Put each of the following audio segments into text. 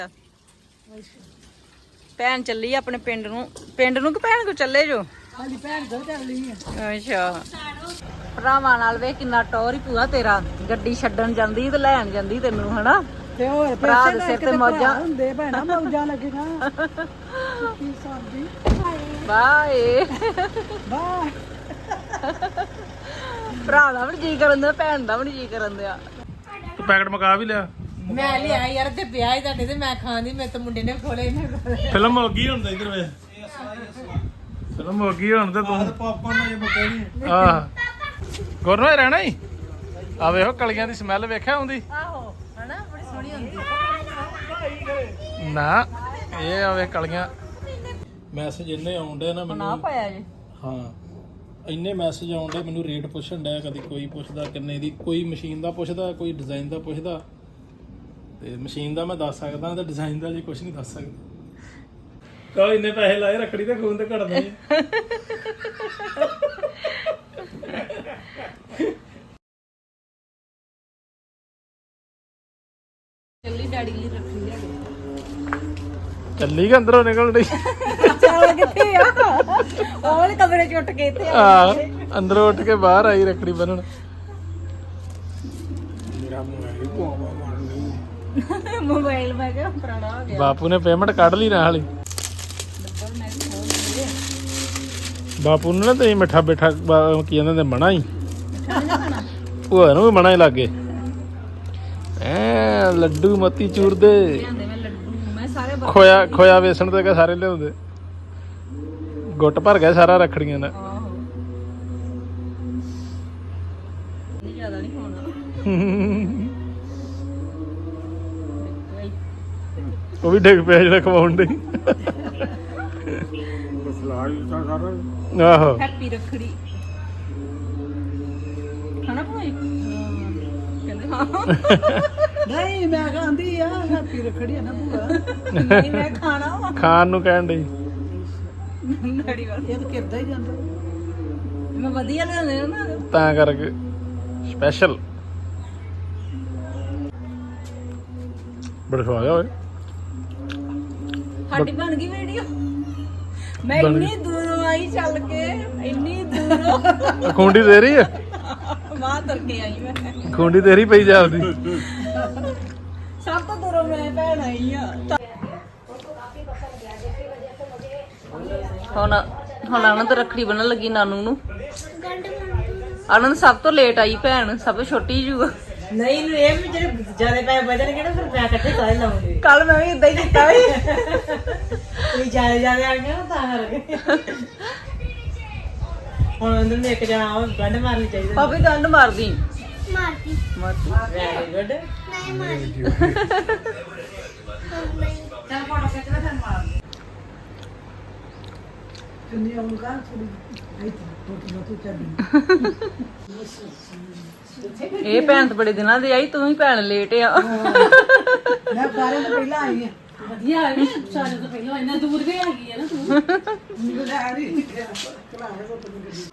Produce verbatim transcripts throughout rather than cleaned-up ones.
ਭੈਣ ਚੱਲੀ ਆਪਣੇ ਪਿੰਡ ਨੂੰ। ਪਿੰਡ ਨੂੰ ਕਿ ਭੈਣ ਕੋ ਚੱਲੇ ਜੋ? ਹਾਂਜੀ ਭੈਣ ਕੋਲ ਚੱਲੀ ਆ। ਅੱਛਾ ਭਰਾਵਾਂ ਨਾਲ ਵੇ ਕਿੰਨਾ ਟੌਰ ਹੀ ਪੂਰਾ ਤੇਰਾ। ਗੱਡੀ ਛੱਡਣ ਜਾਂਦੀ ਤੇ ਲੈਣ ਜਾਂਦੀ ਤੈਨੂੰ ਹਨਾ। ਤੇ ਹੋਰ ਭਰਾ ਦੇ ਸਿਰ ਤੇ ਮੌਜਾਂ ਹੁੰਦੇ ਭੈਣਾ, ਮੌਜਾਂ ਲੱਗੀਆਂ। ਕੀ ਸਾਡੀ ਬਾਏ ਵਾਹ। ਭਰਾ ਦਾ ਵੀ ਜੀ ਕਰਨ ਦਿਆ, ਭੈਣ ਦਾ ਵੀ ਜੀ ਕਰਨ ਦਿਆ। ਤੂੰ ਪੈਕਟ ਮਕਾ ਵੀ ਲਿਆ? ਮੈਂ ਲਿਆ ਯਾਰ ਤੇ ਵਿਆਹ ਹੀ ਤੁਹਾਡੇ ਤੇ ਮੈਂ ਖਾਂਦੀ, ਮੇਰੇ ਤਾਂ ਮੁੰਡੇ ਨੇ ਖੋਲੇ ਨੇ। ਫਿਲਮ ਹੋ ਗਈ ਹੁਣ ਤਾਂ ਇਧਰ ਵੇ। ਫਿਲਮ ਹੋ ਗਈ ਹੁਣ ਤੇ ਤੂੰ ਪਾਪਕਾਰਨ ਇਹ ਬਕੇ ਨਹੀਂ। ਆਹ ਗੁਰਨੋਏ ਰਹਿਣਾ ਹੀ ਆ। ਵੇਖੋ ਕਲੀਆਂ ਦੀ ਸਮੈਲ ਵੇਖਿਆ ਆਉਂਦੀ। ਆਹੋ ਹਨਾ, ਬੜੀ ਸੋਹਣੀ ਹੁੰਦੀ ਨਾ ਇਹ ਆ ਵੇ ਕਲੀਆਂ। ਮੈਸੇਜ ਇੰਨੇ ਆਉਂਦੇ ਨਾ ਨਾ ਮੈਨੂੰ। ਪਾਇਆ ਜੀ। ਹਾਂ ਇੰਨੇ ਮੈਸੇਜ ਆਉਂਦੇ ਮੈਨੂੰ, ਰੇਟ ਪੁੱਛਣ ਡਿਆ, ਕਦੀ ਕੋਈ ਪੁੱਛਦਾ ਕਿੰਨੇ ਦੀ, ਕੋਈ ਮਸ਼ੀਨ ਦਾ ਪੁੱਛਦਾ, ਕੋਈ ਡਿਜ਼ਾਈਨ ਦਾ ਪੁੱਛਦਾ। ਤੇ ਮਸ਼ੀਨ ਦਾ ਮੈਂ ਦੱਸ ਸਕਦਾ ਤੇ ਡਿਜ਼ਾਈਨ ਦਾ ਜੀ ਕੁਝ ਨਹੀਂ ਦੱਸ ਸਕਦਾ। ਕਹੋ ਇੰਨੇ ਪੈਸੇ ਲਾਏ ਰੱਖੜੀ ਤੇ ਖੂਨ ਤੇ ਘੜਦੇ। ਚੱਲੀ ਡੈਡੀ ਲਈ ਰੱਖੀ ਲਿਆ। ਚੱਲੀ ਕਿ ਅੰਦਰੋਂ ਨਿਕਲ ਰਹੀ? ਚੱਲ ਕਿੱਥੇ ਆ? ਉਹ ਵਾਲੇ ਕਮਰੇ ਚ ਉੱਠ ਕੇ ਇੱਥੇ ਆ। ਆ ਅੰਦਰੋਂ ਉੱਠ ਕੇ ਬਾਹਰ ਆਈ ਰੱਖੜੀ ਬੰਨਣ। ਮੇਰਾ ਮੋਬਾਈਲ ਮੈਂ ਕਿਹਾ ਪੁਰਾਣਾ ਹੋ ਗਿਆ। ਬਾਪੂ ਨੇ ਪੇਮੈਂਟ ਕੱਢ ਲਈ ਨਾ ਹਾਲੀ। ਬਾਪੂ ਨੂੰ ਨਾ ਤੇ ਮਿੱਠਾ ਬੈਠਾ ਕੀ ਕਹਿੰਦੇ ਨੇ ਮਣਾ ਹੀ। ਉਹ ਇਹਨੂੰ ਵੀ ਮਣਾ ਹੀ ਲੱਗੇ। ਐ ਲੱਡੂ ਮੋਤੀ ਚੂਰ ਦੇ ਮੈਂ ਲੱਡੂ ਮੈਂ ਸਾਰੇ ਖੋਇਆ ਖੋਇਆ ਵੇਸਣ ਤੇ ਸਾਰੇ ਲਿਆਉਂਦੇ। ਗੁੱਟ ਭਰ ਗਿਆ ਸਾਰਾ ਰੱਖੜੀਆਂ ਨਾਲ। ਆਹੋ ਨਹੀਂ ਜ਼ਿਆਦਾ ਨਹੀਂ ਹੋਣਾ। ਉਹ ਵੀ ਡਿੱਗ ਪਿਆ ਜਿਹੜਾ ਖਵਾਉਣ ਦੇ। ਆਹੋ ਹੈਪੀ ਰੱਖੜੀ ਖਾਣਾ ਭਾਈ ਕਹਿੰਦੇ ਹਾਂ। ਨਹੀਂ ਮੈਂ ਖਾਂਦੀ ਆ। ਹੈਪੀ ਰੱਖੜੀ ਆ ਨਾ ਭੂਆ। ਨਹੀਂ ਮੈਂ ਖਾਣਾ ਵਾ। ਖਾਣ ਨੂੰ ਕਹਿਣ ਡਈ। ਡੈਡੀ ਵਾਲ ਇਹ ਤਾਂ ਕਿਰਦਾ ਹੀ ਜਾਂਦਾ। ਮੈਂ ਵਧੀਆ ਲਿਆਉਂਦੇ ਨਾ। ਤਾਂ ਕਰਕੇ ਸਪੈਸ਼ਲ ਬੜਾ ਸਵਾਦ ਆ ਓਏ। ਸਾਡੀ ਬਣ ਗਈ ਵੀਡੀਓ। ਮੈਂ ਇੰਨੀ ਦੂਰੋਂ ਆਈ ਚੱਲ ਕੇ, ਇੰਨੀ ਦੂਰੋਂ ਖੁੰਡੀ ਦੇ ਰਹੀ ਆ। ਮਾਂ ਤੁਰ ਕੇ ਆਈ ਮੈਂ। ਖੁੰਡੀ ਤੇਰੀ ਪਈ ਜਾਪਦੀ। ਸਭ ਤੋਂ ਦੂਰੋਂ ਮੈਂ ਭੈਣ ਆਈ ਆ। ਹੁਣ ਹੁਣ ਆਨੰਦ ਰੱਖੜੀ ਬੰਨਣ ਲੱਗੀ ਨਾਨੂ ਨੂੰ। ਆਨੰਦ ਸਭ ਤੋਂ ਲੇਟ ਆਈ ਭੈਣ, ਸਭ ਤੋਂ ਛੋਟੀ ਜੂ। ਨਹੀਂ ਇਹਨੂੰ ਇਹ ਵੀ ਜਿਹੜੇ ਜਿਆਦਾ ਪੈਸੇ ਬਚਣਗੇ ਨਾ ਫਿਰ ਮੈਂ ਇਕੱਠੇ ਸਾਰੇ ਲਾਉਂਗੀ। ਕੱਲ ਮੈਂ ਵੀ ਇਦਾਂ ਹੀ ਕੀਤਾ ਵੀ। ਕੋਈ ਜਿਆਦਾ ਜਿਆਦਾ ਆ ਗਿਆ ਨਾ ਤਾਂ ਕਰਕੇ। ਹੁਣ ਅੰਦਰ ਨੂੰ ਇੱਕ ਜਣਾ ਆਵੇ ਗੰਢ ਮਾਰਨੀ ਚਾਹੀਦੀ। ਪਾਪੀ ਦੰਦ ਮਾਰਦੀ ਮਾਰਦੀ ਮਾਰਦੀ ਵੈਰੀ ਗੁੱਡ। ਨਹੀਂ ਮਾਰਦੀ ਚੱਲ ਫੋਟੋ ਖਿੱਚ ਲੈ ਫਿਰ ਮਾਰ ਚੁੰਨੀ ਆਉਂਗਾ ਥੋੜੀ ਇੱਥੇ ਫੋਟੋ ਨਾ ਤੂੰ ਚੱਲ। ਇਹ ਭੈਣ ਤਾਂ ਬੜੇ ਦਿਨਾਂ ਦੀ ਆਈ, ਤੂੰ ਹੀ ਭੈਣ ਲੇਟ ਆ। ਮੈਂ ਸਾਰਿਆਂ ਤੋਂ ਪਹਿਲਾਂ ਆਈ ਆ। ਵਧੀਆ ਆ ਗਈ ਸਾਰੇ ਤੋਂ ਪਹਿਲਾਂ। ਇੰਨਾ ਦੂਰ ਵੀ ਹੈਗੀ ਆ ਨਾ ਤੂੰ। ਮੈਨੂੰ ਤਾਂ ਆ ਰਹੀ ਚਲਾਣੇ ਕੋ ਤੂੰ ਗੱਡੀ।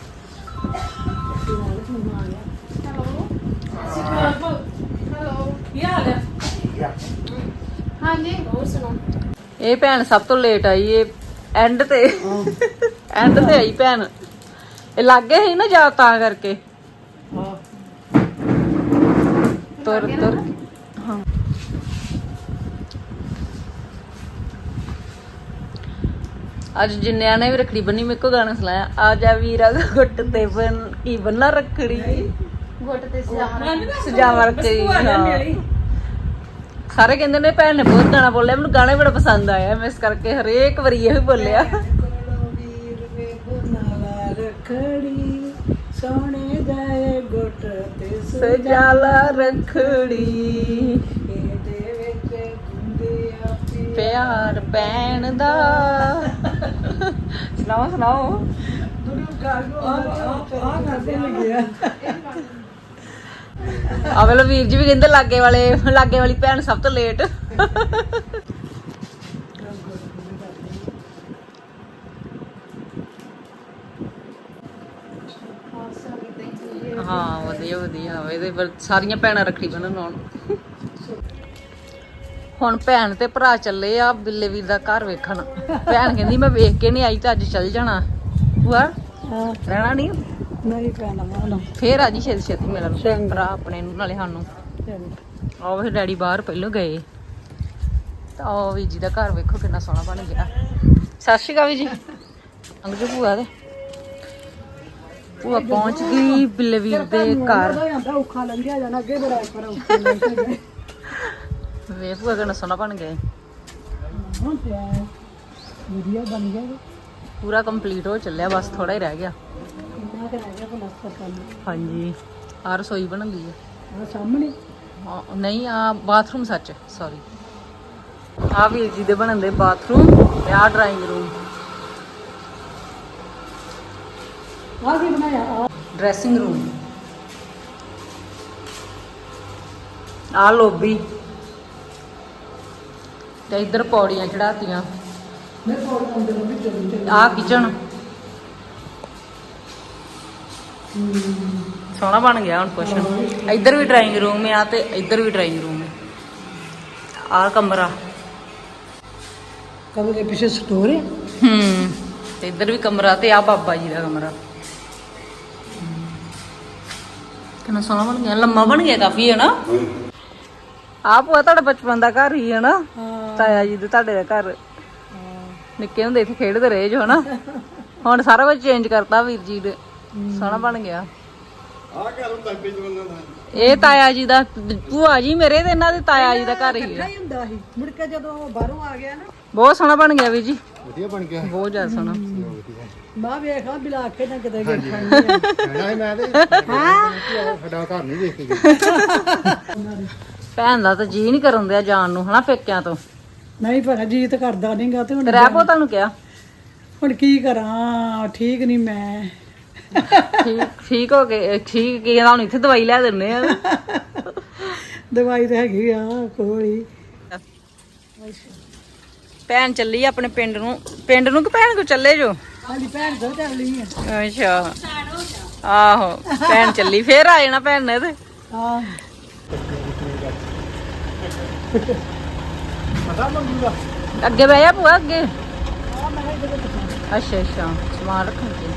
ਹੈਲੋ ਕੀ ਹਾਲ ਹੈ? ਹਾਂਜੀ ਹੋਰ ਸੁਣਾਓ। ਇਹ ਭੈਣ ਸਭ ਤੋਂ ਲੇਟ ਆਈ। ਇਹ ਐਂਡ ਤੇ ਐਂਡ ਤੇ ਆਈ ਭੈਣ। ਇਹ ਲੱਗੇ ਸੀ ਨਾ ਜਾ ਤਾਂ ਕਰਕੇ। ਹਾਂ ਤੁਰ ਤੁਰ ਹਾਂ। ਅੱਜ ਜਿੰਨਿਆਂ ਨੇ ਵੀ ਰੱਖੜੀ ਬੰਨੀ, ਮੇਰੇ ਕੋ ਗਾਣਾ ਸੁਣਾਇਆ। ਆ ਜਾ ਵੀਰਾ ਗੁੱਟ ਤੇ ਬਨ ਕੀ ਬੰਨਾ ਰੱਖੜੀ, ਗੁੱਟ ਤੇ ਸਜਾਵਾ ਰੱਖੜੀ। ਸਾਰੇ ਕਹਿੰਦੇ ਨੇ ਭੈਣ ਨੇ ਬਹੁਤ ਗਾਣਾ ਬੋਲਿਆ। ਮੈਨੂੰ ਗਾਣਾ ਬੜਾ ਪਸੰਦ ਆਇਆ, ਮੈਂ ਇਸ ਕਰਕੇ ਹਰੇਕ ਵਾਰੀ ਇਹੀ ਬੋਲਿਆ। ਰੱਖੜੀ ਸੋਹਣੇ ਜਾਏ ਗੁੱਟ ਤੇ ਸਜਾਲਾ ਰੱਖੜੀ, ਇਹਦੇ ਵਿੱਚ ਗੁੰਦੇ ਆਪੀ ਪਿਆਰ ਭੈਣ ਦਾ। ਸੁਣਾਓ ਸੁਣਾਓ। ਦੁਰੂ ਗਾਗੋ ਆ ਕਰਦੇ ਲੱਗਿਆ। ਆ ਵੇਲੇ ਵੀਰ ਜੀ ਵੀ ਕਹਿੰਦੇ ਲਾਗੇ ਵਾਲੇ ਲਾਗੇ ਵਾਲੀ ਭੈਣ ਸਭ ਤੋਂ ਲੇਟ। ਹਾਂ ਵਧੀਆ ਵਧੀਆ। ਇਹਦੇ ਸਾਰੀਆਂ ਭੈਣਾਂ ਰੱਖੜੀ ਬੰਨਣ ਆਉਣ। ਹੁਣ ਭੈਣ ਤੇ ਭਰਾ ਚੱਲੇ ਆ ਬਿੱਲੇ ਵੀਰ ਦਾ ਘਰ ਵੇਖਣ। ਭੈਣ ਕਹਿੰਦੀ ਮੈਂ ਵੇਖ ਕੇ ਨਹੀਂ ਆਈ ਤਾਂ ਅੱਜ ਚੱਲ ਜਾਣਾ। ਭੂਆ ਹਾਂ ਰਹਿਣਾ ਨਹੀਂ ਨਹੀਂ ਪੈਣਾ ਮਾਨਾ ਫੇਰ ਆ ਜੀ ਛੇਤੀ ਛੇਤੀ ਮਿਲਣ ਚੰਗਾ। ਭਰਾ ਆਪਣੇ ਨੂੰ ਨਾਲੇ ਸਾਨੂੰ। ਆਹ ਫਿਰ ਡੈਡੀ ਬਾਹਰ ਪਹਿਲੋਂ ਗਏ ਤਾਂ ਉਹ ਵੀ ਜੀ ਦਾ ਘਰ ਵੇਖੋ ਕਿੰਨਾ ਸੋਹਣਾ ਬਣ ਗਿਆ। ਸਤਿ ਸ਼੍ਰੀ ਅਕਾਲ ਵੀ ਜੀ ਅੰਗ ਭੂਆ ਦੇ ਭੂਆ ਪਹੁੰਚ ਗਈ ਬਿੱਲੇ ਵੀਰ ਦੇ ਘਰ। ਜਾਂਦਾ ਔਖਾ ਲੰਘਿਆ ਜਾਣਾ ਅੱਗੇ ਬੜਾ ਪਰ ਔਖਾ ਲੰਘਿਆ ਵੇ ਭੂਆ ਕਿੰਨਾ ਸੋਹਣਾ ਬਣ ਗਿਆ। ਹੁਣ ਤੇ ਆਇਆ ਵਧੀਆ ਬਣ ਗਿਆ ਪੂਰਾ ਕੰਪਲੀਟ ਹੋ ਚੱਲਿਆ ਬਸ ਥੋੜਾ ਹੀ ਰਹਿ ਗਿਆ। ਕਿੰਨਾ ਕੁ ਰਹਿ ਗਿਆ ਪਲਸਤਰ ਕਰਨਾ। ਹਾਂਜੀ ਆ ਰਸੋਈ ਬਣ ਗਈ ਹੈ। ਆ ਸਾਹਮਣੇ ਹਾਂ, ਨਹੀਂ ਆ ਬਾਥਰੂਮ ਸੱਚ ਸੌਰੀ ਆ ਵੀਰ ਜੀ ਦੇ ਬਣਨ ਦੇ ਬਾਥਰੂਮ ਤੇ ਆ ਡਰਾਇੰਗ ਰੂਮ ਆ ਕੀ ਬਣਾਇਆ ਆ ਡਰੈਸਿੰਗ ਰੂਮ ਆ ਲੋਬੀ ਤੇ ਇੱਧਰ ਪੌੜੀਆਂ ਚੜਾਤੀਆਂ। ਮੈਂ ਕੋਲ ਅੰਦਰ ਵੀ ਚੱਲੀ ਚੱਲੀ ਆ ਕਿਚਨ ਸੋਹਣਾ ਬਣ ਗਿਆ ਹੁਣ ਕੁਛ। ਇੱਧਰ ਵੀ ਡਰਾਇੰਗ ਰੂਮ ਆ ਤੇ ਇੱਧਰ ਵੀ ਡਰਾਇੰਗ ਰੂਮ ਹੈ। ਆ ਕਮਰਾ ਕਮਰੇ ਪਿੱਛੇ ਸਟੋਰ ਹੈ। ਹੂੰ ਤੇ ਇੱਧਰ ਵੀ ਕਮਰਾ ਤੇ ਆ ਬਾਬਾ ਜੀ ਦਾ ਕਮਰਾ। ਕਿੰਨਾ ਸੋਹਣਾ ਬਣ ਗਿਆ ਲੰਮਾ ਬਣ ਗਿਆ ਕਾਫੀ ਹੈ ਨਾ। ਆ ਭੂਆ ਤੁਹਾਡਾ ਬਚਪਨ ਦਾ ਘਰ ਹੀ ਹੈ ਨਾ ਤਾਇਆ ਜੀ ਦੇ ਤੁਹਾਡੇ ਦਾ ਘਰ। ਨਿੱਕੇ ਹੁੰਦੇ ਇੱਥੇ ਖੇਡਦੇ ਰਹੇ ਜੋ ਹਨਾ। ਹੁਣ ਸਾਰਾ ਕੁਝ ਚੇਂਜ ਕਰਤਾ ਵੀਰ ਜੀ ਨੇ ਸੋਹਣਾ ਬਣ ਗਿਆ। ਆ ਘਰ ਹੁੰਦਾ ਪਿਛਵਾਂ ਦਾ ਇਹ ਤਾਇਆ ਜੀ ਦਾ ਭੂਆ ਜੀ ਮੇਰੇ ਤੇ ਇਹਨਾਂ ਦੇ ਤਾਇਆ ਜੀ ਦਾ ਘਰ ਹੀ ਇਕੱਠਾ ਹੈ। ਹੀ ਹੁੰਦਾ ਸੀ ਮੁੜ ਕੇ ਜਦੋਂ ਬਾਹਰੋਂ ਆ ਗਿਆ ਨਾ ਬਹੁਤ ਸੋਹਣਾ ਬਣ ਗਿਆ ਵੀਰ ਜੀ ਵਧੀਆ ਬਣ ਗਿਆ। ਬਹੁਤ ਜ਼ਿਆਦਾ ਸੋਹਣਾ। ਮਾਂ ਵੇਖਾ ਬਿਲਾ ਕੇ ਨਾ ਕਿਤੇ ਗਏ ਖਾਣੀ ਕਹਿਣਾ ਮੈਂ ਤੇ ਹਾਂ ਸਾਡਾ ਘਰ ਨਹੀਂ ਦੇਖ ਕੇ ਗਏ। ਭੈਣ ਦਾ ਤਾਂ ਜੀ ਨਹੀਂ ਕਰਨ ਦਿਆ ਜਾਣ ਨੂੰ ਹਨਾ ਪੇਕਿਆਂ ਤੋਂ। ਨਹੀਂ ਭਰਾ ਜੀਤ ਕਰਦਾ ਨਹੀਂਗਾ ਤੇ ਹੁਣ ਤੇ ਰਹਿ ਪੋ ਤੁਹਾਨੂੰ ਕਿਹਾ ਹੁਣ ਕੀ ਕਰਾਂ ਠੀਕ ਨਹੀਂ ਮੈਂ ਠੀਕ ਠੀਕ ਹੋ ਗਏ ਠੀਕ ਕੀ ਕਹਿੰਦਾ ਹੁਣ ਇੱਥੇ ਦਵਾਈ ਲੈ ਦਿੰਨੇ ਆ। ਦਵਾਈ ਤਾਂ ਹੈਗੀ ਆ ਕੋਲ ਹੀ ਭੈਣ ਚੱਲੀ ਆ ਆਪਣੇ ਪਿੰਡ ਨੂੰ ਪਿੰਡ ਨੂੰ ਕਿ ਭੈਣ ਕੋ ਚੱਲੇ ਜੋ। ਹਾਂਜੀ ਭੈਣ ਤੋਂ ਚੱਲੀ ਆ ਅੱਛਾ ਆਹੋ ਭੈਣ ਚੱਲੀ ਫੇਰ ਆ ਜਾਣਾ ਭੈਣ ਨੇ ਤੇ। ਹਾਂ ਪਤਾ ਮੰਗੂ ਦਾ ਅੱਗੇ ਬਹਿ ਜਾ ਭੂਆ ਅੱਗੇ। ਆ ਮੈਂ ਇਹਦੇ ਵਿੱਚ ਅੱਛਾ ਅੱਛਾ ਸਮਾਨ ਰੱਖਣ ਤੇ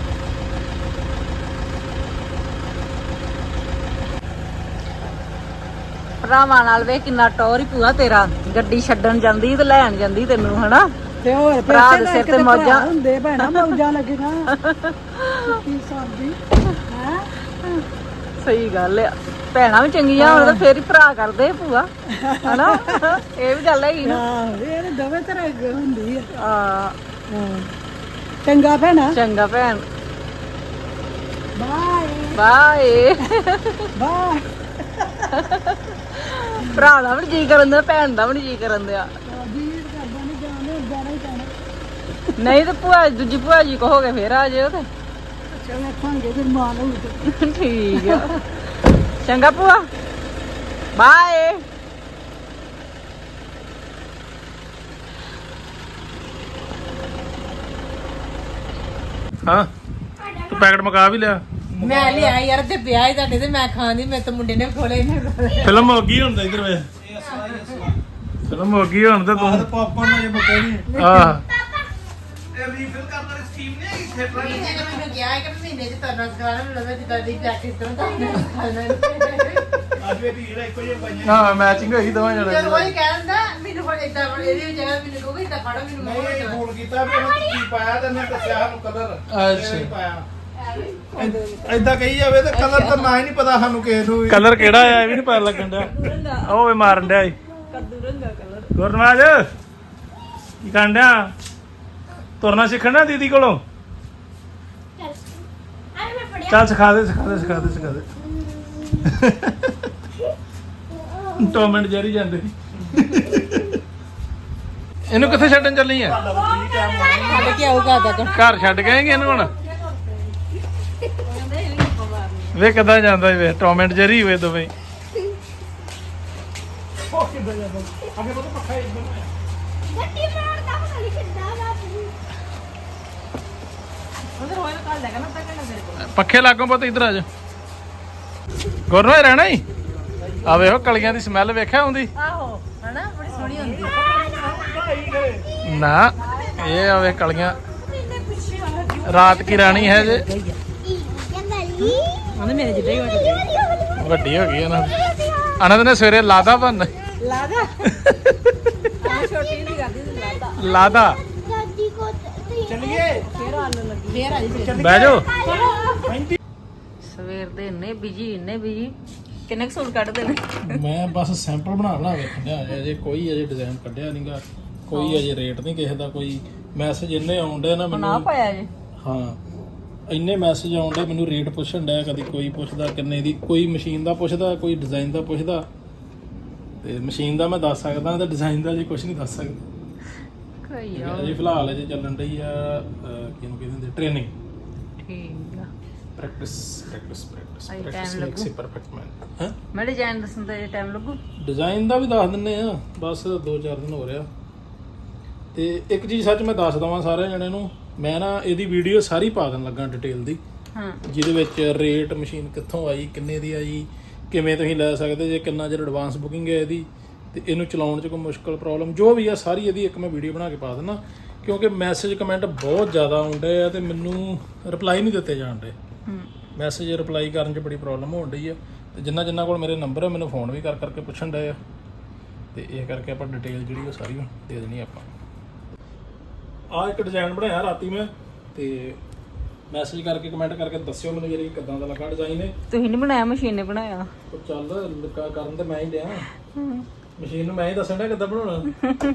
ਭਰਾਵਾਂ ਨਾਲ ਵੇ ਕਿੰਨਾ ਟੌਰ ਹੀ ਭੂਆ ਤੇਰਾ। ਗੱਡੀ ਛੱਡਣ ਜਾਂਦੀ ਤੇ ਲੈਣ ਜਾਂਦੀ ਤੈਨੂੰ ਹਨਾ। ਤੇ ਹੋਰ ਭਰਾ ਪੈਸੇ ਦੇ ਲੈ ਸਿਰ ਕੇ ਤੇ ਤੇ ਮੌਜਾਂ। ਮੌਜਾਂ ਹੁੰਦੇ ਭੈਣਾ ਮੌਜਾਂ ਲੱਗੀਆਂ ਕੀ ਸਾਡੀ ਹੈ ਸਹੀ ਗੱਲ ਆ ਭੈਣਾਂ ਵੀ ਚੰਗੀਆਂ ਹੋਣ ਤਾਂ ਫੇਰ ਹੀ ਭਰਾ ਕਰਦੇ ਭੂਆ ਹਨਾ। ਇਹ ਵੀ ਗੱਲ ਹੈਗੀ ਨਾ। ਹਾਂ ਇਹ ਤਾਂ ਦੋਵੇਂ ਤਰ੍ਹਾਂ ਹੁੰਦੀ ਆ ਆ ਹਾਂ ਚੰਗਾ ਭੈਣਾ ਚੰਗਾ ਭੈਣ ਬਾਏ ਬਾਏ। ਬਾਏ ਭਰਾ ਦਾ ਵੀ ਜੀ ਕਰਨ ਦਿਆ ਭੈਣ ਦਾ ਵੀ ਜੀ ਕਰਨ ਦਿਆ। ਵੀਰ ਕਰਦਾ ਨਹੀਂ ਜਾਣੇ ਜਾਣਾ ਹੀ ਜਾਣਾ ਨਹੀਂ ਤੇ ਭੂਆ ਦੂਜੀ ਭੂਆ ਜੀ ਕਹੋਗੇ ਫੇਰ ਆ ਜਿਓ ਤੇ ਅੱਛਾ ਵੇਖਾਂਗੇ ਫਿਰ ਮਾਨ ਹੋਊ ਤੇ ਠੀਕ ਆ ਚੰਗਾ ਭੂਆ ਬਾਏ। ਹਾਂ ਤੂੰ ਪੈਕਟ ਮਕਾ ਵੀ ਲਿਆ। ਮੈਂ ਲਿਆ ਯਾਰ ਤੇ ਪਿਆ ਹੀ ਤੁਹਾਡੇ ਤੇ ਮੈਂ ਖਾਂਦੀ ਮੇਰੇ ਤਾਂ ਮੁੰਡੇ ਨੇ ਖੋਲੇ ਨੇ ਫਿਲਮ ਹੋ ਗਈ ਹੁਣ ਤਾਂ ਇਧਰ ਵੇ ਫਿਲਮ ਹੋ ਗਈ ਹੁਣ ਤਾਂ ਤੂੰ ਪਾਪਾ ਨੇ ਬਕੇ ਨਹੀਂ ਆਹ ਇਹ ਰੀਫਿਲ ਕਰਨ ਵਾਲੀ ਸਕੀਮ ਨਹੀਂ ਹੈਗੀ ਥੀਏਟਰ ਦੀ। ਇਹਨੇ ਮੈਨੂੰ ਕਿਹਾ ਹੈ ਕਿ ਮਹੀਨੇ ਚ ਤਰਨਾ ਸਿਖਾਣਾ ਮੈਨੂੰ ਲੱਗਾ ਜਿੱਦਾਂ ਦੀ ਪ੍ਰੈਕਟਿਸ ਕਰਾਂ ਤਾਂ ਖਾਣਾ ਅੱਜ ਵੀ ਜਿਹੜਾ ਇੱਕੋ ਜਿਹਾ ਪਾਈਆਂ ਹਾਂ ਮੈਚਿੰਗ ਹੋਈ ਦੋਵਾਂ ਜਦੋਂ ਜਣੇ ਕੋਈ ਕਹਿੰਦਾ ਮੈਨੂੰ ਹੁਣ ਇਦਾਂ ਇਹਦੀ ਵੀ ਜਗ੍ਹਾ ਮੈਨੂੰ ਕਹੋਗੇ ਇਦਾਂ ਫੜੋ ਮੈਨੂੰ ਨਹੀਂ ਮੋੜ ਇਹ ਫੋਨ ਕੀਤਾ ਵੀ ਉਹਨਾਂ ਕੀ ਪਾਇਆ ਤੇ ਮੈਂ ਦੱਸਿਆ ਸਾਨੂੰ ਕਲਰ ਅੱਛਾ। ਪਾਇਆ ਐਦਾਂ ਕਹੀ ਜਾਵੇ ਤੇ ਕਲਰ ਤਾਂ ਨਾ ਹੀ ਨਹੀਂ ਪਤਾ ਸਾਨੂੰ ਕਿਸੇ ਨੂੰ ਵੀ। ਕਲਰ ਕਿਹੜਾ ਆ ਇਹ ਵੀ ਨਹੀਂ ਪਤਾ ਲੱਗਣ ਡਿਆ। ਉਹ ਵੇ ਮਾਰਨ ਡਿਆ ਈ ਕੱਦੂ ਰੰਗਾ ਕਲਰ ਗੁਰਨਵਾਜ ਕੀ ਕਰਨ ਡਿਆ ਤੁਰਨਾ ਸਿੱਖਣਾ ਦੀਦੀ ਕੋਲੋਂ। ਚੱਲ ਆ ਮੈਂ ਫੜਿਆ ਚੱਲ ਸਿਖਾ ਦੇ ਸਿਖਾ ਦੇ ਸਿਖਾ ਦੇ ਸਿਖਾ ਦੇ ਟੌਮ ਐਂਡ ਜੈਰੀ ਜਾਂਦੇ ਸੀ। ਇਹਨੂੰ ਕਿੱਥੇ ਛੱਡਣ ਚੱਲੀ ਆ ਛੱਡ ਕੇ ਆਊਗਾ ਦਾਦਾ ਘਰ ਛੱਡ ਕੇ ਆਏਂਗੇ ਇਹਨੂੰ ਹੁਣ ਵੇ ਕਿੱਦਾਂ ਜਾਂਦਾ ਵੇ ਟੌਮ ਐਂਡ ਜੈਰੀ ਹੋਏ ਦੋਵੇਂ ਗੱਡੀ ਮਾਰਦਾ ਪਤਾ ਨਹੀਂ ਕਿੱਦਾਂ ਬਾਪੂ ਉਧਰ ਹੋਇਆ ਕੱਲ ਲੱਗਾ ਨਾ ਤੱਕ ਨਾ ਮੇਰੇ ਕੋਲ ਪੱਖੇ ਲਾਗੋਂ ਪੁੱਤ ਇੱਧਰ ਆ ਜਾ ਗੁਰਨਵਾਜ ਰਹਿਣਾ ਹੀ ਆ ਵੇਖੋ ਕਲੀਆਂ ਦੀ ਸਮੈਲ ਵੇਖਿਆ ਆਉਂਦੀ ਆਹੋ ਹਨਾ ਬੜੀ ਸੋਹਣੀ ਹੁੰਦੀ ਨਾ ਇਹ ਆਵੇ ਕਲੀਆਂ ਰਾਤ ਕੀ ਰਾਣੀ ਹੈ ਜੇ ਉਹਨੇ ਮੇਰੇ ਜਿੱਦਾਂ ਹੀ ਵੱਡੇ ਵੱਡੀ ਹੋ ਗਈ ਇਹਨਾਂ ਅਨੰਦ ਨੇ ਸਵੇਰੇ ਲਾਦਾ ਬਣ ਲਾਦਾ ਆ ਛੋਟੀ ਨਹੀਂ ਕਰਦੀ ਸੀ ਲਾਦਾ ਲਾਦਾ ਦਾਦੀ ਕੋ ਚਲਿਏ ਫੇਰ ਆਲੂ ਲੱਗੀ ਫੇਰ ਆ ਜੀ ਫੇਰ ਬਹਿ ਜਾਓ ਸਵੇਰ ਦੇ ਇੰਨੇ ਬਿਜੀ ਇੰਨੇ ਬਿਜੀ ਕਿੰਨੇ ਕੁ ਸੂਟ ਕੱਢਦੇ ਨੇ ਮੈਂ ਬਸ ਸੈਂਪਲ ਬਣਾ ਬਣਾ ਵੇਖਣ ਡਿਆ ਅਜੇ ਕੋਈ ਅਜੇ ਡਿਜ਼ਾਈਨ ਕੱਢਿਆ ਨਹੀਂਗਾ ਕੋਈ ਅਜੇ ਰੇਟ ਨਹੀਂ ਕਿਸੇ ਦਾ ਕੋਈ ਮੈਸੇਜ ਇੰਨੇ ਆਉਂਦੇ ਨਾ ਨਾ ਮੈਨੂੰ ਪਾਇਆ ਜੇ ਹਾਂ ਇੰਨੇ ਮੈਸੇਜ ਆਉਂਦੇ ਮੈਨੂੰ ਰੇਟ ਪੁੱਛਣ ਡਿਆ ਕਦੀ ਕੋਈ ਪੁੱਛਦਾ ਕਿੰਨੇ ਦੀ ਕੋਈ ਮਸ਼ੀਨ ਦਾ ਪੁੱਛਦਾ ਕੋਈ ਡਿਜ਼ਾਈਨ ਦਾ ਪੁੱਛਦਾ ਤੇ ਮਸ਼ੀਨ ਦਾ ਮੈਂ ਦੱਸ ਸਕਦਾ ਤੇ ਡਿਜ਼ਾਈਨ ਦਾ ਜੀ ਕੁਝ ਨਹੀਂ ਦੱਸ ਸਕਦਾ ਕੋਈ ਅਜੇ ਫਿਲਹਾਲ ਅਜੇ ਚੱਲਣ ਰਹੀ ਆ ਅਹ, ਕਿਹਨੂੰ ਕਹਿੰਦੇ ਹੁੰਦੇ ਟ੍ਰੇਨਿੰਗ ਠੀਕ ਆ ਪ੍ਰੈਕਟਿਸ ਪ੍ਰੈਕਟਿਸ ਪ੍ਰੈਕਟਿਸ ਅਜੇ ਪ੍ਰੈਕਟਿਸ time ਮੇਕਸ ਲੱਗੂ। ਇਟ ਪਰਫੈਕਟ ਮੈਨ ਹਾਂ ਮੈਂ ਡਿਜ਼ਾਈਨ ਦੱਸਣ ਤੇ ਟਾਈਮ ਲੱਗੂ ਡਿਜ਼ਾਈਨ ਦਾ ਵੀ ਦੱਸ ਦਿੰਨੇ ਆ ਬਸ ਦੋ ਚਾਰ ਦਿਨ ਹੋ ਰਿਹਾ ਤੇ ਇੱਕ ਚੀਜ਼ ਸੱਚ ਮੈਂ ਦੱਸ ਦਵਾਂ ਸਾਰਿਆਂ ਜਣਿਆਂ ਨੂੰ ਮੈਂ ਨਾ ਇਹਦੀ ਵੀਡੀਓ ਸਾਰੀ ਪਾ ਦੇਣ ਲੱਗਾ ਡਿਟੇਲ ਦੀ ਹਾਂ ਜਿਹਦੇ ਵਿੱਚ ਰੇਟ ਮਸ਼ੀਨ ਕਿੱਥੋਂ ਆਈ ਕਿੰਨੇ ਦੀ ਆਈ ਕਿਵੇਂ ਤੁਸੀਂ ਲੈ ਸਕਦੇ ਜੇ ਕਿੰਨਾ ਚਿਰ ਐਡਵਾਂਸ ਬੁਕਿੰਗ ਹੈ ਇਹਦੀ ਤੇ ਇਹਨੂੰ ਚਲਾਉਣ 'ਚ ਕੋਈ ਮੁਸ਼ਕਲ ਪ੍ਰੋਬਲਮ ਜੋ ਵੀ ਆ ਸਾਰੀ ਇਹਦੀ ਇੱਕ ਮੈਂ ਵੀਡੀਓ ਬਣਾ ਕੇ ਪਾ ਦਿੰਦਾ ਕਿਉਂਕਿ ਮੈਸੇਜ ਕਮੈਂਟ ਬਹੁਤ ਜ਼ਿਆਦਾ ਆਉਂਦੇ ਆ ਤੇ ਮੈਨੂੰ ਰਿਪਲਾਈ ਨਹੀਂ ਦਿੱਤੇ ਜਾਂਦੇ ਹੂੰ ਮੈਸੇਜ ਰਿਪਲਾਈ ਕਰਨ 'ਚ ਬੜੀ ਪ੍ਰੋਬਲਮ ਹੋਣ ਡਈ ਆ ਤੇ ਜਿੰਨਾ ਜਿੰਨਾ ਕੋਲ ਮੇਰੇ ਨੰਬਰ ਆ ਮੈਨੂੰ ਫੋਨ ਵੀ ਕਰ ਕਰਕੇ ਪੁੱਛਣ ਡਏ ਆ ਤੇ ਇਹ ਕਰਕੇ ਆਪਾਂ ਡਿਟੇਲ ਜਿਹੜੀ ਉਹ ਸਾਰੀ ਦੇ ਦੇਣੀ ਆਪਾਂ ਆ ਇੱਕ ਡਿਜ਼ਾਈਨ ਬਣਾਇਆ ਰਾਤੀ ਮੈਂ ਤੇ ਮੈਸੇਜ ਕਰਕੇ ਕਮੈਂਟ ਕਰਕੇ ਦੱਸਿਓ ਮੈਨੂੰ ਜਿਹੜੀ ਕਿੱਦਾਂ ਦਾ ਲੱਗਾ ਡਿਜ਼ਾਈਨ ਹੈ ਤੁਸੀਂ ਨਹੀਂ ਬਣਾਇਆ ਮਸ਼ੀਨ ਨੇ ਬਣਾਇਆ ਉਹ ਚੱਲ ਲੱਗਾ ਕਰਨ ਤੇ ਮੈਂ ਹੀ ਡਿਆ ਮਸ਼ੀਨ ਨੂੰ ਮੈਂ ਹੀ ਦੱਸਣ ਡਿਆ ਕਿੱਦਾਂ ਬਣਾਉਣਾ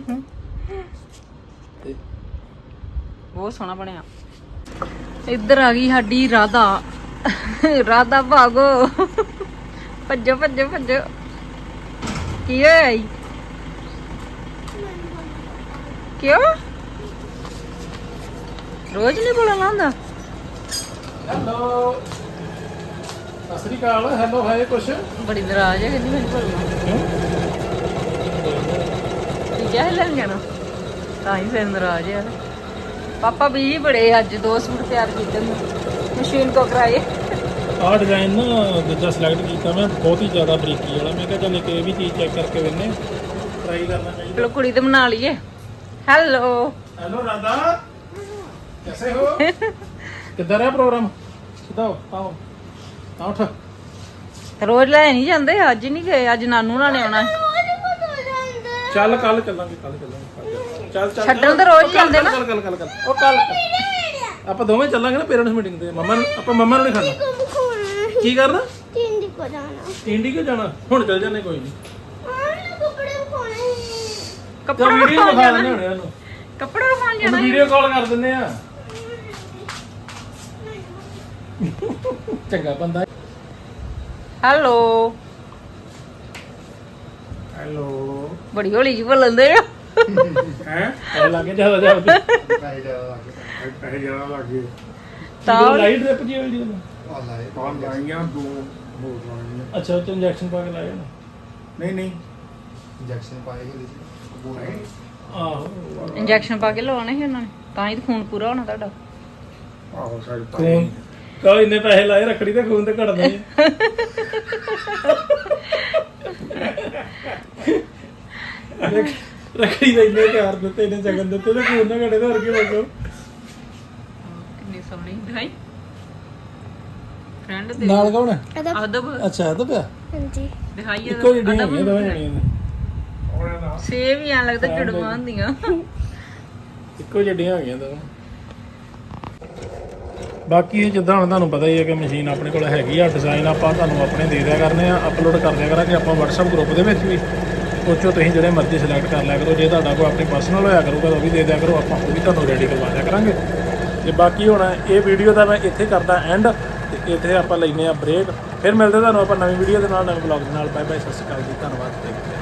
ਤੇ ਬਹੁਤ ਸੋਹਣਾ ਬਣਿਆ ਇੱਧਰ ਆ ਗਈ ਸਾਡੀ ਰਾਧਾ ਰਾਧਾ ਭਾਗੋ ਭੱਜੋ ਭੱਜੋ ਭੱਜੋ ਕੀ ਹੋਇਆ ਈ? ਕਿਉਂ ਰੋਜ਼ ਨਹੀਂ ਬੋਲਣਾ ਹੁੰਦਾ ਹੈਲੋ ਸਤਿ ਸ੍ਰੀ ਅਕਾਲ ਹੈਲੋ ਹਾਏ ਕੁਛ ਬੜੀ ਨਾਰਾਜ਼ ਹੈ ਕਹਿੰਦੀ ਮੈਨੂੰ ਬੋਲਣਾ ਠੀਕ ਹੈ ਲੈਣ ਜਾਣਾ ਤਾਂ ਹੀ ਫਿਰ ਨਾਰਾਜ਼ ਹੈ ਪਾਪਾ ਵੀ ਬੜੇ ਅੱਜ ਦੋ ਸੂਟ ਤਿਆਰ ਕੀਤੇ ਨੇ ਮਸ਼ੀਨ ਕੋ ਕਰਾਏ ਆਹ ਡਿਜ਼ਾਈਨ ਨਾ ਦੂਜਾ ਸਿਲੈਕਟ ਕੀਤਾ ਮੈਂ ਬਹੁਤ ਹੀ ਜ਼ਿਆਦਾ ਬਰੀਕੀ ਵਾਲਾ ਮੈਂ ਕਿਹਾ ਚੱਲ ਇੱਕ ਇਹ ਵੀ ਚੀਜ਼ ਚੈੱਕ ਕਰਕੇ ਵੇਖਨੇ ਟਰਾਈ ਕਰਨਾ ਚਾਹੀਦਾ ਚਲੋ ਕੁੜੀ ਤੇ ਬਣਾ ਲਈਏ ਹੈਲੋ हेलो राधा कैसे हो किधर है प्रोग्राम सीधा आओ आओ उठ ਰੋਜ਼ ਲੈ ਨਹੀਂ ਜਾਂਦੇ ਅੱਜ ਨਹੀਂ ਗਏ ਅੱਜ ਨਾਨੂ ਨਾਲ ਨੇ ਆਉਣਾ ਚੱਲ ਕੱਲ ਚੱਲਾਂਗੇ ਕੱਲ ਚੱਲਾਂਗੇ ਚੱਲ ਚੱਲ ਛੱਡਣ ਤਾਂ ਰੋਜ਼ ਜਾਂਦੇ ਨਾ ਕੱਲ ਕੱਲ ਕੱਲ ਕੱਲ ਉਹ ਕੱਲ ਆਪਾਂ ਦੋਵੇਂ ਚੱਲਾਂਗੇ ਨਾ ਪੇਰੈਂਟਸ ਮੀਟਿੰਗ ਤੇ ਮੰਮਾ ਨੂੰ ਆਪਾਂ ਮੰਮਾ ਨੂੰ ਨਹੀਂ ਖਾਣਾ ਕੀ ਕਰਨਾ ਤਿੰਨ ਕੋ ਜਾਣਾ ਇੰਡੀ ਕਿਉਂ ਜਾਣਾ ਹੁਣ ਚੱਲ ਜਾਂਦੇ ਕੋਈ ਨਹੀਂ ਹਾਂ ਕੱਪੜੇ ਪਾਉਣੇ ਤਾਂ ਕੱਪੜਾ ਵੀਡੀਓ ਵਿਖਾਉਣ ਦਿਖਾ ਜਾਣਾ ਦਿੰਦੇ ਹੋਣੇ ਉਹਨੂੰ ਕੱਪੜਾ ਵਿਖਾਉਣ ਜਾਣਾ ਉਹਨੂੰ ਵੀਡੀਓ ਕਾਲ ਕਰ ਦਿੰਦੇ ਆ ਚੰਗਾ ਬੰਦਾ ਹੈਲੋ ਹੈਲੋ ਬੜੀ ਹੌਲੀ ਜਿਹੀ ਬੋਲਦੇ ਆ ਹੈ ਇਹ ਲੱਗੇ ਜਿਆਦਾ ਜਿਆਦਾ ਪੈਸੇ ਜ਼ਿਆਦਾ ਲੱਗ ਗਏ ਤਾਂ ਲਾਈਟ ਡ੍ਰਿਪ ਜੀ ਹੋਈ ਜੀ ਕੌਣ ਲਾਈਆਂ ਦੋ ਹੋਰ ਲਾਈਆਂ ਅੱਛਾ ਉਹ ਇੰਜੈਕਸ਼ਨ ਪਾ ਕੇ ਲਾਇਆ ਨਾ ਨਹੀਂ ਨਹੀਂ ਇੰਜੈਕਸ਼ਨ ਪਾਏ ਹੋਏ ਸੀ ਆਹੋ ਇੰਜੈਕਸ਼ਨ ਪਾ ਕੇ ਲਵਾਉਣੇ ਸੀ ਉਹਨਾਂ ਨੇ ਤਾਂ ਹੀ ਤਾਂ ਖੂਨ ਪੂਰਾ ਹੋਣਾ ਤੁਹਾਡਾ ਆਹੋ ਸਾਡੀ ਖੂਨ ਕਾ ਇੰਨੇ ਪੈਸੇ ਲਾਏ ਰੱਖੜੀ ਤੇ ਖੂਨ ਤੇ ਘਟਦੇ ਆ ਰੱਖੜੀ ਦੇ ਇੰਨੇ ਪਿਆਰ ਦਿੱਤੇ ਇੰਨੇ ਜਗਨ ਦਿੱਤੇ ਤੇ ਖੂਨ ਨਾ ਘਟੇ ਤਾਂ ਹੋਰ ਕੀ ਬਚੋ ਕਿੰਨੀ ਸੋਹਣੀ ਦਿਖਾਈ ਫਰੈਂਡ ਦੇ ਨਾਲ ਕੌਣ ਹੈ ਅਦਬ ਅੱਛਾ ਇਹ ਤਾਂ ਪਿਆ ਹਾਂਜੀ ਦਿਖਾਈ ਇੱਕੋ ਜਿਹੀ ਡੀਆਂ ਹੋਈਆਂ ਦੋਵੇਂ ਜਣੀਆਂ ਨੇ ਸੇਮ ਹੀ ਆ ਲੱਗਦਾ ਜੜਵਾਂ ਹੁੰਦੀਆਂ ਇੱਕੋ ਜਿਹੀਆਂ ਹੋ ਗਈਆਂ ਦੋਵੇਂ ਬਾਕੀ ਇਹ ਜਿੱਦਾਂ ਹੁਣ ਤੁਹਾਨੂੰ ਪਤਾ ਹੀ ਹੈ ਕਿ ਮਸ਼ੀਨ ਆਪਣੇ ਕੋਲ ਹੈਗੀ ਆ ਡਿਜ਼ਾਈਨ ਆਪਾਂ ਤੁਹਾਨੂੰ ਆਪਣੇ ਦੇ ਦਿਆ ਕਰਨੇ ਆ ਅਪਲੋਡ ਕਰ ਦਿਆ ਕਰਾਂਗੇ ਆਪਾਂ WhatsApp ਗਰੁੱਪ ਦੇ ਵਿੱਚ ਵੀ ਸੋਚੋ ਤੁਸੀਂ ਜਿਹੜੇ ਮਰਜ਼ੀ ਸਿਲੈਕਟ ਕਰ ਲਿਆ ਕਰੋ ਜੇ ਤੁਹਾਡਾ ਕੋਈ ਆਪਣੀ ਪਰਸਨਲ ਹੋਇਆ ਕਰੂਗਾ ਤਾਂ ਉਹ ਵੀ ਦੇ ਦਿਆ ਕਰੋ ਆਪਾਂ ਉਹ ਵੀ ਤੁਹਾਨੂੰ ਰੈਡੀ ਕਰਵਾ ਦਿਆ ਕਰਾਂਗੇ ਤੇ ਬਾਕੀ ਹੁਣ ਇਹ ਵੀਡੀਓ ਦਾ ਮੈਂ ਇੱਥੇ ਕਰਦਾ ਐਂਡ ਤੇ ਇੱਥੇ ਆਪਾਂ ਲੈਨੇ ਆ ਬ੍ਰੇਕ ਫਿਰ ਮਿਲਦੇ ਤੁਹਾਨੂੰ ਆਪਾਂ ਨਵੀਂ ਵੀਡੀਓ ਦੇ ਨਾਲ ਨਵੇਂ ਬਲੌਗ ਦੇ ਨਾਲ ਬਾਏ ਬਾਏ ਸਤਿ ਸ਼੍ਰੀ ਅਕਾਲ ਜੀ ਧੰਨਵਾਦ।